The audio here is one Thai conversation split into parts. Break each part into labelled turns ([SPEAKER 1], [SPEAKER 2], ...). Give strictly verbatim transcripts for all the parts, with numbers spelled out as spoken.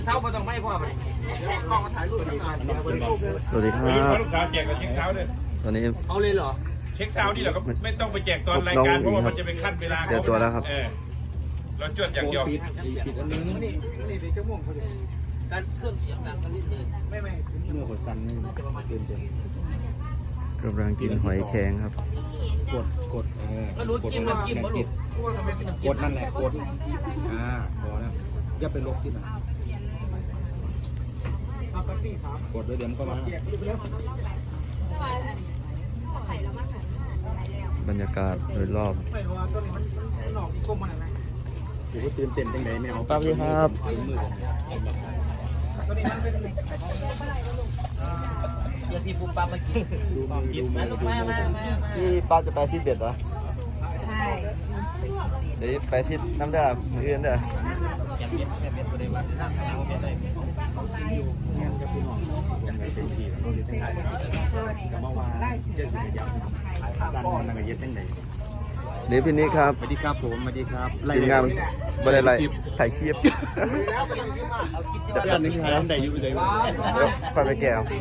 [SPEAKER 1] เช้ามาต้องไม่พ่อไปกล้องมาถ่ายรูป
[SPEAKER 2] สวัสดีครับ
[SPEAKER 3] ลูกสาวแจกกับเช็คเช้าเลย
[SPEAKER 2] ตอนนี้
[SPEAKER 1] เอาเลยเหรอ
[SPEAKER 3] เช็คเช้านี่เราก็ไม่ต้องไปแจกตอนรายการเพราะว่ามันจะเป็นขั้นเวลา
[SPEAKER 2] เจอตัวแล้วครับ
[SPEAKER 3] เราจวดอย่างเดียว
[SPEAKER 1] ปิดปิดอันนึงนี่นี่เดี๋ยวจะม่วงเขาเลยการเครื่องเสียงดังกันนิดนึงไม่ไม่เมื่อกดสั่นนี่จะประมาณเต็มเต็ม
[SPEAKER 2] กำลังกินหอยแครงครับ
[SPEAKER 1] กดกดก็รู้จิ้มน้ำจิ้มว่าลูกกดนั่นแหละกดอ่าพอแล้วอย่าไปลบที่มันกดด้วยเดี๋ยวมันก็มา
[SPEAKER 2] บรรยากาศโดยรอบ
[SPEAKER 1] อยู่ก็ตื่นเต้นจังไงไม่เอา
[SPEAKER 2] ป้าพี่ครับ
[SPEAKER 1] เดี๋ยวพี่ปุ๊บปั๊บมากินมาลูกมามามา
[SPEAKER 2] พี่ป้าจะไปซิดเบ็ดเหรอ
[SPEAKER 4] ใช่
[SPEAKER 2] เดี๋ยวไปซิดน้ำเด้อมืออื่นเด้อ
[SPEAKER 1] อย่างเม็ดแค่เม็ดก็ได้ว่าเอาเม็ดเลยเงี้ยกับพี่น้องยังไงเป็นทีก็เลยถ่ายกับเมื่อวานเจ็ดสิบยับถ่ายภาพด้านบนนั่งกับเย็ดตั้งไหน
[SPEAKER 2] เดี๋ยวพี่นิกครับ
[SPEAKER 1] สวัสดีครับผมสวัสดีครับ
[SPEAKER 2] ทีมงานบริไรถ่ายคลิป
[SPEAKER 1] จะเพื่อนนึงถ่ายตั้งไหนอยู่เลย
[SPEAKER 2] ไปไปแก้ว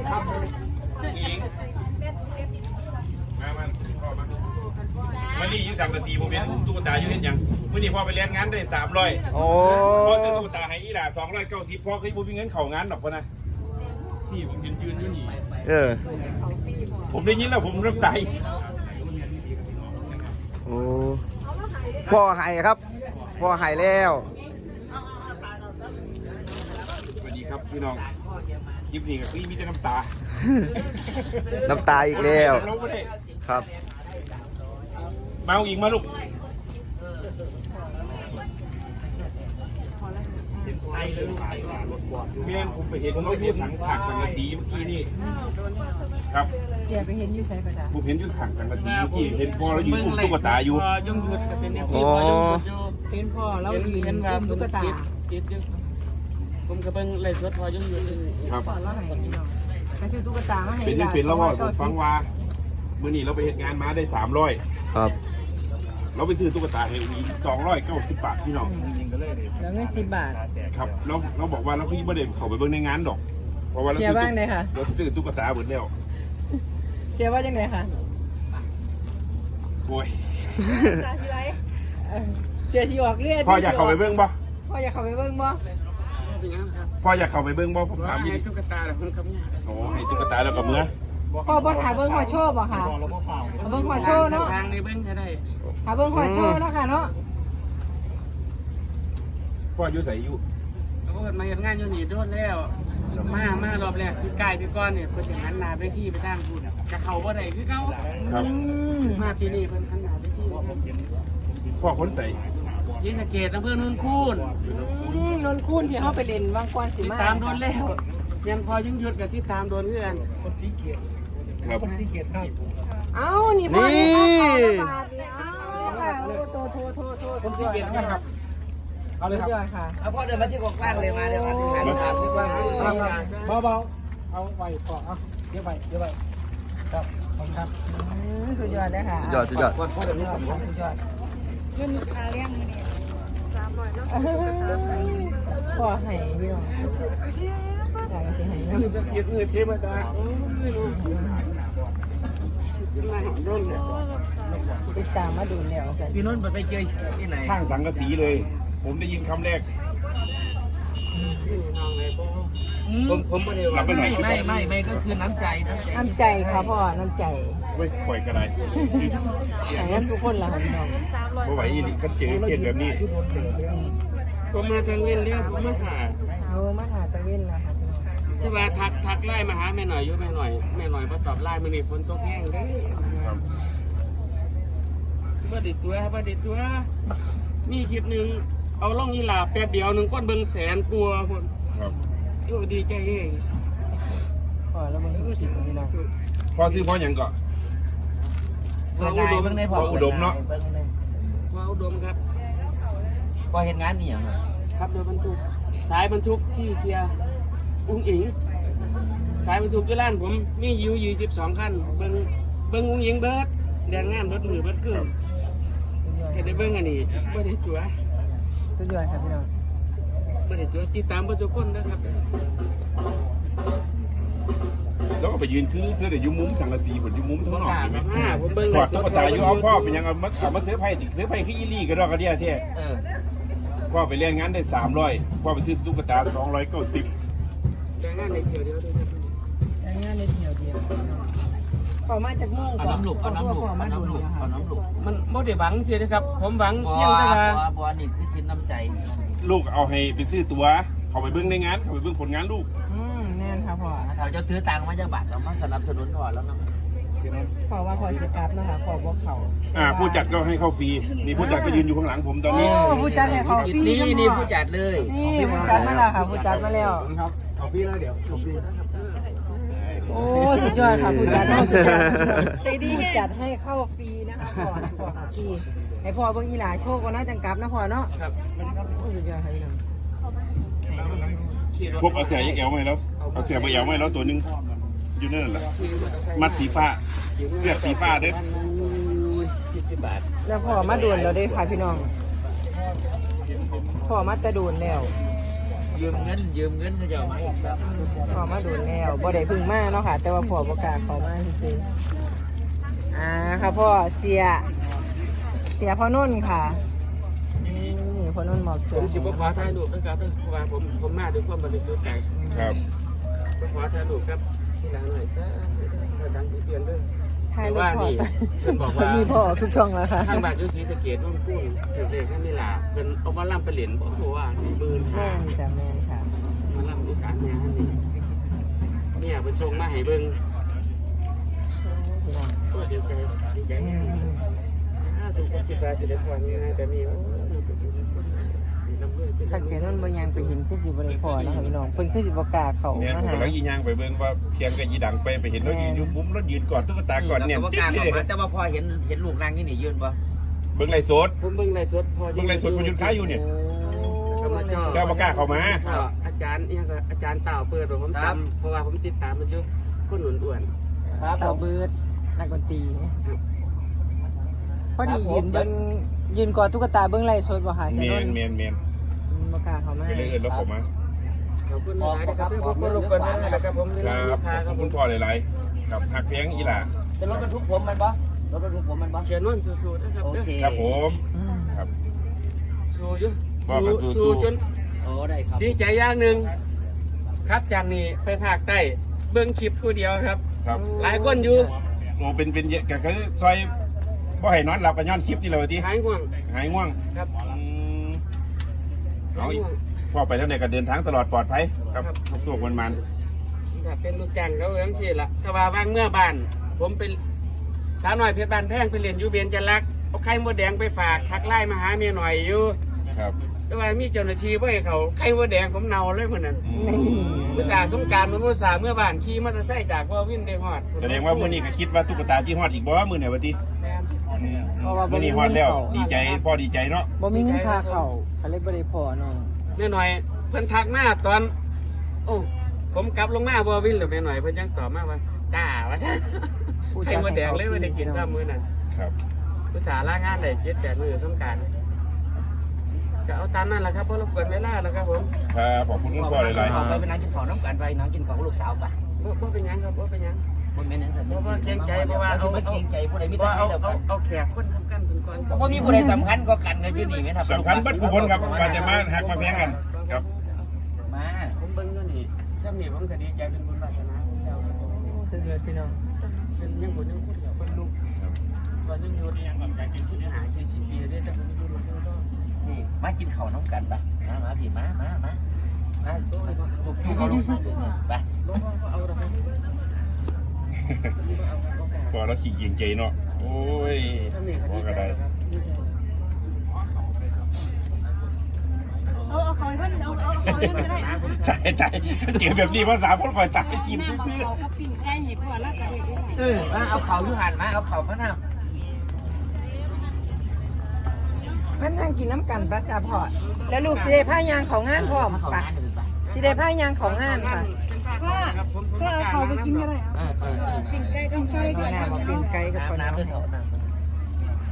[SPEAKER 3] มันนี่ยูสังกะสีผมเห็นอุ้มตุ๊กตาอยู่เห็นยังเมื่อนี้พ่อไปเลี้ยงงานได้สามร้อย
[SPEAKER 2] โอ้
[SPEAKER 3] พ่อซื้อตุ๊กตาให้อีหล่าสองร้อยเก้าสิบพ่อเคยบุญมีเงินเข่างานหรอกพ่อนะพี่ผมยืนยืนอยู่นี่
[SPEAKER 2] เออ
[SPEAKER 3] ผมได้ยินแล้วผมน้ำตา
[SPEAKER 2] โอ้พ่อหายครับพ่อหายแล้ว
[SPEAKER 3] สวัสดีครับพี่น้องคลิปนี้กับพี่มีแต่น้ำตา
[SPEAKER 2] น้ำตาอีกแล้วครับ
[SPEAKER 3] มาอีกมาลูกเมียนผมไปเห็นเขาอยู่สังขารสังกะสีเมื่อกี้นี่ครับ
[SPEAKER 4] เสียไปเห็นอยู่ใช่ก็จ้ะ
[SPEAKER 3] ผมเห็นอยู่ขังสังกะสีเมื่อกี้เห็นพ่อเราอยู่อุ้มตุ๊กตาอยู่
[SPEAKER 1] ยุ่งหยุดกับเป็นอย่างที่พ่อยุ่งหยุดอยู่
[SPEAKER 4] เป็นพ่อเราดีเห็นว่าตุ๊กตา
[SPEAKER 1] ติดอยู่ผมกับเบิ้งไล่สดพ่อยุ่งหยุด
[SPEAKER 3] ครับ
[SPEAKER 4] พ่อเราให้พี่น้องไปซื้อตุ๊กตามาให้
[SPEAKER 3] เป็นยังเป็นแล้วว่าผมฟังว่าเมื่อนี้เราไปเห็นงานมาได้สามร้อย
[SPEAKER 2] ครับ
[SPEAKER 3] เราไปซื้อตุ๊กตาให้อีกสองร้อยเก้าสิบบาทพี่น้อง
[SPEAKER 4] แล้วเงินสิบบาท
[SPEAKER 3] ครับเราเราบอกว่าเราพี่ไม่ได้เข้าไปเบิ้งในงานดอกเพราะว่าเราซื้อ
[SPEAKER 4] บ้างเลยค่ะ
[SPEAKER 3] เราซื้อตุ๊กตาหมดแล้ว
[SPEAKER 4] เสียว่าจังไงคะ
[SPEAKER 3] โอ้ย
[SPEAKER 4] เสียชีออกเลือด
[SPEAKER 3] พ่ออยากเข้าไปเบิ้งบ่
[SPEAKER 4] พ่ออยากเข้าไปเบิ้งบ่
[SPEAKER 3] พ่ออยากเข้าไปเบิ้งบ่ผมถาม
[SPEAKER 1] ให้ตุ๊กตาแล้วมันคำนี้
[SPEAKER 3] โอ้ให้ตุ๊กตาแล้วกับเมื่อ
[SPEAKER 4] พ่อบ่ถ่ายเบิ้งหัวโชว์บ่ค่ะเบิ้งหัวโชว์เนาะ
[SPEAKER 1] ทางในเบิ้งจะได้
[SPEAKER 4] หาเบิ้งหัวโชว์เนาะค่ะเนาะ
[SPEAKER 3] พ่ออยู่ใส่อยู่
[SPEAKER 1] เขาเกิดมาเห็นงานอยู่นี่โดนแล้วมามารอบแรกพี่กายพี่ก้อนเนี่ยเพิ่นถึงหันหน้าไปที่ไปทางพูดจะเข้าบ่ได้คือเขา
[SPEAKER 3] ครับ
[SPEAKER 1] มาปีนี้เพิ่นหันหน้าไปที่
[SPEAKER 3] พ่อคนใส่
[SPEAKER 1] ศรีสะเกษอำเภอโนนคูน
[SPEAKER 4] โนนคูนที่เขาไปเล่นวางกวนสิ
[SPEAKER 1] มาติดตามโดนแล้วยังพอยุ่งหยุดกับที่ตามโดนเพื่อนคนศรีเกษ
[SPEAKER 3] ครับ
[SPEAKER 1] คนศรีเกษครับ
[SPEAKER 4] เอ้านี่พ่อนี่บาทนี่เอ้าค่ะโอ้โตโทโทโท
[SPEAKER 1] คนศรีเกษครับ
[SPEAKER 4] เอาเลยครับค่ะ
[SPEAKER 1] เอาพ่อเดินมาที่กว้างเลยมาเดี๋ยวมาที่งานถามที่กว้าง
[SPEAKER 4] เบาๆเอาไว้ก่อนเอาเดี๋ยวไปเดี๋ยวไปครับขอบคุณครับสุดยอดเลยค่ะ
[SPEAKER 2] สุดยอดสุดยอด
[SPEAKER 4] พ่อเดินมาสุดยอดเงินคาเลี้ยงนี่สามร้อยแล้วพ่อให้พี่น้องอยากจะให้
[SPEAKER 1] มีสักเสียเงินเทมาได้ไม่รู้
[SPEAKER 4] ติดตามมาดูแล้ว
[SPEAKER 1] พี่นุ่นไปเจอที่ไหน
[SPEAKER 3] ข้างสังกะสีเลยผมได้ยินคำแรก
[SPEAKER 1] ผมผมไม่ได้ว่าไม่ไม่ไม่ไม่ก็คือน้ำใจ
[SPEAKER 4] น้ำใจครับพ่อน้ำใจ
[SPEAKER 3] เว้ยปล่อยกันไร
[SPEAKER 4] อย่างนั้นทุกคนละพี่น้อง
[SPEAKER 3] เพราะไหวอีนี่ก็เจอเกตแบบนี้
[SPEAKER 1] ผมมาทางเว้นเรียกผมมาหา
[SPEAKER 4] เอามาหาตะเว้นแล้วครับ
[SPEAKER 1] ที่ว่าทักทักไล่มาหาแม่หน่อยยุ่แม่หน่อยแม่หน่อยพอตอบไล่มันนี่ฝนตกแห้งได้บ้าดิตัวบ้าดิตัวมีคลิปหนึ่งเอาล่องยีหลาแป๊บเดียวหนึ่งก้อนเบิ้งแสนกลัวคนอยู่ดีใจเอง
[SPEAKER 4] พอแล้วมันก็สิบพี่น้อง
[SPEAKER 3] พ่อซื้อพ่ออย่างก่อน
[SPEAKER 1] พ่ออุดม
[SPEAKER 3] พ่ออุดมเนาะ
[SPEAKER 1] พ่ออุดมครับ
[SPEAKER 5] พอเห็นงานนี่อย่าง
[SPEAKER 1] ครับโดยบรรทุกสายบรรทุกที่เชียร์อุ้งอิงสายบรรทุกที่ร้านผมมียูยี่สิบสองคันเบิ้งเบิ้งอุ้งอิงเบิร์ดแดงงามรถมือเบิร์ดเกลือแค่ได้เบิ้งอันนี้ไม่ได้จั่ว
[SPEAKER 4] สุดยอดครับพี่น้อง
[SPEAKER 1] ไม่ได้ตัวติดตามประชาชนนะครับ
[SPEAKER 3] แล้วก็ไปยืนคือคือเดี๋ยวยุมุ้มสังกะสีผลยุมุ้มทั้งนอกใช่ไหม
[SPEAKER 1] ห้าผมเบิ่ง
[SPEAKER 3] กอดตุ๊กตาอยู่เอาพ่อเป็นยังเอามาเอามาซื้อไพ่ติซื้อไพ่ขี้อีลี่ก็ดอกกระเดียเท่
[SPEAKER 5] เออ
[SPEAKER 3] พ่อไปเล่นงานได้สามร้อยพ่อไปซื้อตุ๊กตาสองร้อยเก้าสิบ
[SPEAKER 1] แต่งานในเที่ยวเดียวด้วยครับ
[SPEAKER 4] อย่างเงี้ยในเที่ยวเดียวขอมาจากมุ่ง
[SPEAKER 5] เอาน้ำลูกเอาน้ำลูกเอาน้ำลูกเอาน้ำลูก
[SPEAKER 1] มันบ่ได้หวังสินะครับ ผมหวัง
[SPEAKER 5] บัว
[SPEAKER 1] เพียงแต่ว่า
[SPEAKER 5] บัวบัวนี่คือสินน้ำใจ
[SPEAKER 3] ลูกเอาให้ไปซื้อตัวเขาไปเบิ้งในงานเขาไปเบิ้งผลงานลูก
[SPEAKER 4] อืมแน่นค่ะพ่อ
[SPEAKER 5] ถ้าเขาจะถือตังค์มาจากบัตรเรามาสนับสนุนพ่อแล้วนะ
[SPEAKER 4] พ่อว่าพ่อสิกลับนะคะพ่อบอกเขา
[SPEAKER 3] อ่าผู้จัดก็ให้เข้าฟรีนี่ผู้จัดก็ยืนอยู่ข้างหลังผมตอน
[SPEAKER 4] โอ้
[SPEAKER 3] นี้
[SPEAKER 4] ผู้จัดให้เขาฟรี
[SPEAKER 5] นี่นี่ผู้จัดเลย
[SPEAKER 4] นี่ผู้จัดมาแล้วค่ะผู้จัดมาแล้ว
[SPEAKER 2] ครับเอาพี่แล้วเดี๋ยวเอาพี่
[SPEAKER 4] โอ้สุดยอดค่ะผู้จัดให้สุดยอดใจดีผู้จัดให้เข้าฟรีนะคะพ่อให้พ่อเข้าฟรีให้พ่อเบิ่งอีหลาโชคก็น่าจังกลับนะพ่อเนาะ
[SPEAKER 1] ครับ
[SPEAKER 4] โอ้สุดยอดค่ะพี่น้อง
[SPEAKER 3] พบเอาเสียยักแอวมาให้แล้วเอาเสียใบแอวมาให้แล้วตัวหนึงอยู่นั่นแหละมัดสีฟ้าเสื้อสีฟ้าเด้อ
[SPEAKER 1] สิบบาท
[SPEAKER 4] แล้วพ่อมาโดนเราได้ค่ะพี่น้องพ่อมาแตะโดนแล้ว
[SPEAKER 5] ยืมเงินยืมเงินเขาจะเอามาอีกครับ
[SPEAKER 4] พ่อมาโดนแล้วบ่ได้พึ่งมาเนาะค่ะ แต่ว่าพ่อประกล้าศเขามาคือๆอ่าค่ะพ่อเสีย เสียพ่อนุ่นค่ะนี่พ่อนุ่นหมอก
[SPEAKER 1] ผ
[SPEAKER 4] เขือ
[SPEAKER 1] มสิบ่ขอถ่ายรูปนะครับเพราะว่าผมผมมาด้วยความบริสุทธิ์ใจ
[SPEAKER 3] ครับ
[SPEAKER 1] ผมขอถ่ายรูปครับที่หลังหน่อยจ้าดังเปลี่ยนด้วย
[SPEAKER 4] ทาย
[SPEAKER 1] แต่
[SPEAKER 4] ลูก
[SPEAKER 1] ว่า
[SPEAKER 4] พ่อ
[SPEAKER 1] นี่เพิ่นบอกว่า
[SPEAKER 4] มีพ่อทุกช่องแล้วค่ะ
[SPEAKER 1] ทางบ้านอยู่ศรีสะเกษนุ่นพุ่นถึงเด็กให้ไม่ลาเป็นเอามาล่ำไปเหรียญบอกว่าหมื่น
[SPEAKER 4] แม่
[SPEAKER 1] ห้าน
[SPEAKER 4] จ้ะแม่นค่ะ
[SPEAKER 1] มาล่ำอีสานแม่ฮันนี่เนี่ยเป็นชงมาให้เบิ่ง
[SPEAKER 4] พี่น้อง
[SPEAKER 1] ก็ดีใจดีใจ
[SPEAKER 4] อื
[SPEAKER 1] แน่
[SPEAKER 4] ม
[SPEAKER 1] ถ้าถูกคนคิดว่าจะได้ความง่ายแต่นี่โอ้ยเป็นคนนำเรื่อง
[SPEAKER 4] ถ้าเสียนุ่นบ่ยังไปเห็นคือสิบ่ได้พ่อเนาะค่ะพี่น้องเพิ่นคือสิบ่กล้าเข้า
[SPEAKER 3] เนี่ย
[SPEAKER 4] มา
[SPEAKER 3] ผม
[SPEAKER 4] หา
[SPEAKER 3] กำลังยียางไปเบิ้งว่าเพียงกับยีดังไปไปเห็นแล้วยืนอยู่มุมแล้วยืนกอดตุ๊กตากอดเนี่ย
[SPEAKER 5] แล้วก็
[SPEAKER 3] ติ๊
[SPEAKER 5] กล้าก
[SPEAKER 3] เล
[SPEAKER 5] เข้าย มาแต่ว่าพอเห็นเห็นลูกนางนี่นี่ยืนปะ
[SPEAKER 3] เบิ้งไรโซด
[SPEAKER 1] ผมเบิ่งไรสดพอ
[SPEAKER 3] เบิ้งไรโซดคุณยืนค้าอยู่เนี่ย
[SPEAKER 1] ธรรมชาติ
[SPEAKER 3] เจ้าบ่กล้าเข้ามา
[SPEAKER 1] อาจารย์เนี่ยก็อาจารย์เต่าเปิดผมตามเพราะว่าผมติดตามมันอยู่คนหนุนอ้วน
[SPEAKER 5] ครับ
[SPEAKER 4] เต่าเบิดนักดนตรี
[SPEAKER 1] ครับ
[SPEAKER 4] พอดียืนเบิ่งยืนกอดตุ๊กตาเบิ่งไล่สดบ่ค่ะเสี
[SPEAKER 3] เมี
[SPEAKER 4] ย
[SPEAKER 3] ยน
[SPEAKER 4] นุ่น
[SPEAKER 3] เมียนเมียน
[SPEAKER 4] บ่กล้าเข้ามา
[SPEAKER 3] ก็เลยเอินแล้วเข้ามา
[SPEAKER 1] ขอบคุณหลายนะครับขอบคุณลูกคนนะครับผม
[SPEAKER 3] ครับขอบคุณพ่อหลายๆครับหักเพียงอีหล่า
[SPEAKER 5] เป็นรถบรรทุกผมมันปะรถบรรทุกผมมันปะ
[SPEAKER 1] เชียร์นุ่นสู้ๆนะครับ
[SPEAKER 5] โอเค
[SPEAKER 3] ครับผม
[SPEAKER 4] อืม
[SPEAKER 3] ครับ
[SPEAKER 1] สู้อยู่
[SPEAKER 3] ว่ากัน
[SPEAKER 1] สู้
[SPEAKER 3] สู้
[SPEAKER 1] สู้จน
[SPEAKER 5] โอ้ได้ครับ
[SPEAKER 1] ดีใจอย่างหนึ่งครับจากนี้ไปภาคใต้เบิ้งคลิปผู้เดียวครับ
[SPEAKER 3] ครับ
[SPEAKER 1] หลายคนอยู่
[SPEAKER 3] โอ้เป็นเป็นก็คือซอยบ่ให้นอนหลับกันย้อนคลิปนี่แหละว่าติ
[SPEAKER 1] หายห่วง
[SPEAKER 3] หายง่วง
[SPEAKER 1] ครับ
[SPEAKER 3] อืมเอาอีกพ่อไปทางไหนก็เดินทางตลอดปลอดภัยครับสุขมันมัน
[SPEAKER 1] ถ้าเป็นลูกจ้างเขาเอื้องชีละถ้าว่าว่างเมื่อบ้าน ผมเป็นสาวหน่อยเพชรบ้านแพงไปเรียนอยู่เบียนจันลักเอาไข่มดแดงไปฝากทักไล่มาหาเมียหน่อยอยู่
[SPEAKER 3] ครับ
[SPEAKER 1] แต่ว่ามีเจ้าหน้าที่บ่ให้เขาไข่มดแดงผมเนาเลยเหมือนนั้น
[SPEAKER 3] อืม
[SPEAKER 1] อุตส่าห์สงกรารมันอุตส่าห์เมื่อบ้านขี่มอเตอร์ไซค์จากว่าวินได้ฮอด
[SPEAKER 3] แสดงว่ามื้อนี้ก็คิดว่าตุ๊กตาที่ฮอดอีกบ่ว่ามื้อไหนวะติ
[SPEAKER 1] แม่น
[SPEAKER 3] อืมมื้อนี้ฮอดแล้ว ดีใจพ่อดีใจเนาะ
[SPEAKER 4] บ่มีเงินค่าเข้าเขาเลยบ่ได้พอน้อง
[SPEAKER 1] แม่หน่อยเพิ่นทักมาตอน โอ้ผมกลับลงมาบ่วินหรือแม่หน่อยเพิ่นยังตอบมาว่าจ้าว่าซั่นไข่มดแดงเลยไม่ได้กินข้าวมื้อนั้น
[SPEAKER 3] ครับ
[SPEAKER 1] อุตส่าห์ลางานได้เจ็ดแปดมื้อสงกรานต์จะเอาตามนั่นแหละครับเพราะรบกวนเวลาแล้วครับผม
[SPEAKER 3] ครับขอบคุณคุณพ่อหลาย
[SPEAKER 5] ออกไปไปนั่งกินของน้ำกันไปนั่งกินของลูกสาวกัน
[SPEAKER 1] บ่บ่เป็นหยังครับบ่เป็นหยัง
[SPEAKER 5] คนแม่นั่งสัน
[SPEAKER 1] เพราะว่าเกรงใจเพราะว่าเอา
[SPEAKER 5] ไม่เกรงใจผู้ใดไม่
[SPEAKER 1] เพราะ
[SPEAKER 5] ได้
[SPEAKER 1] เอา
[SPEAKER 5] แล้ว
[SPEAKER 1] เอาเอาแขกคนสำคัญคนก่อน
[SPEAKER 5] เพราะมีผู้ใดสำคัญก็กันกันอยู่นี่ไหมครับ
[SPEAKER 3] ๆสำคัญเบัดผู้คนครับว่าจะมาหักมาแพงกันครับ
[SPEAKER 5] มา
[SPEAKER 1] ผมเบิ่งอยู่นี่จำนี่ผมก็ดีใจเป็นบุญวาสนาของเจ้าครับผม
[SPEAKER 4] สุดยอดพี่น้อง
[SPEAKER 1] เป็นยังบุญยังพูดเดียวคนลูกตอนยังอยู่นี่ยังแบบอยากจะคิดหายี่สิบปีได้แต่ผมอยู่มาที่ต้อง
[SPEAKER 5] นี่มากินข้าวน้ำกันไปมามาพี่มามามามาลูกลูกเอาลูกสาวเลยเนี่ยไป
[SPEAKER 1] บ่บ่เอาดอกครับ
[SPEAKER 3] พอแล้วขี้เกียจใจเนาะโอ้ย
[SPEAKER 1] จำนี่ก็
[SPEAKER 3] พอ
[SPEAKER 1] ดี
[SPEAKER 3] ก็
[SPEAKER 1] ใจ
[SPEAKER 3] ได้
[SPEAKER 1] ครับดีใจ
[SPEAKER 6] เอาเอาเขาให้เพิ่นเอาเอาเขาให้เพิ่นก็ได้
[SPEAKER 3] ใจใจเก็บแบบนี้ภาษาคนคอยตายจิ้ม
[SPEAKER 6] น้ำ
[SPEAKER 3] ซื่อ
[SPEAKER 6] เขาเขาปิ้งไก่ให้พ่อแล้วก็เฮ็ดได้
[SPEAKER 5] เออมาเอาเข่าอยู่หันมาเอาเข่ามาหน้า
[SPEAKER 4] มันนั่งกินน้ำกันปะจ้าพ่อแล้วลูกสิได้ผ้ายางของงานพร้อม
[SPEAKER 5] เข่า
[SPEAKER 4] ปะ
[SPEAKER 5] งานอื่นไป
[SPEAKER 4] สิได้ผ้ายางของงานค่ะ
[SPEAKER 6] พ่อพ่อเอาเขาไปกินก็ได้
[SPEAKER 5] เออเออเออ
[SPEAKER 6] ปิ้งไก่กับไก่
[SPEAKER 4] เอาหน้ามาเป็นไก่กับคน
[SPEAKER 5] น้ำ
[SPEAKER 4] น้ำ
[SPEAKER 5] น้ำด้วยเถอะ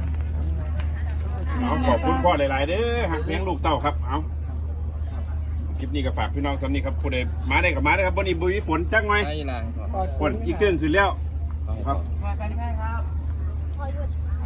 [SPEAKER 5] น้ำ
[SPEAKER 3] ๆเอาขอบคุณพ่อหลายๆเด้อหักเลี้ยงลูกเต้าครับเอาคลิปนี้ก็ฝากพี่น้องตอนนี้ครับผู้ใดมาได้กับมาได้ครับวันนี้บุยฝนจักหน่อย
[SPEAKER 2] ไอ้นาง
[SPEAKER 3] ฝนอีกเรื่องคือแล้วครับ
[SPEAKER 1] พอกันใช่ครับ
[SPEAKER 6] พอหยุด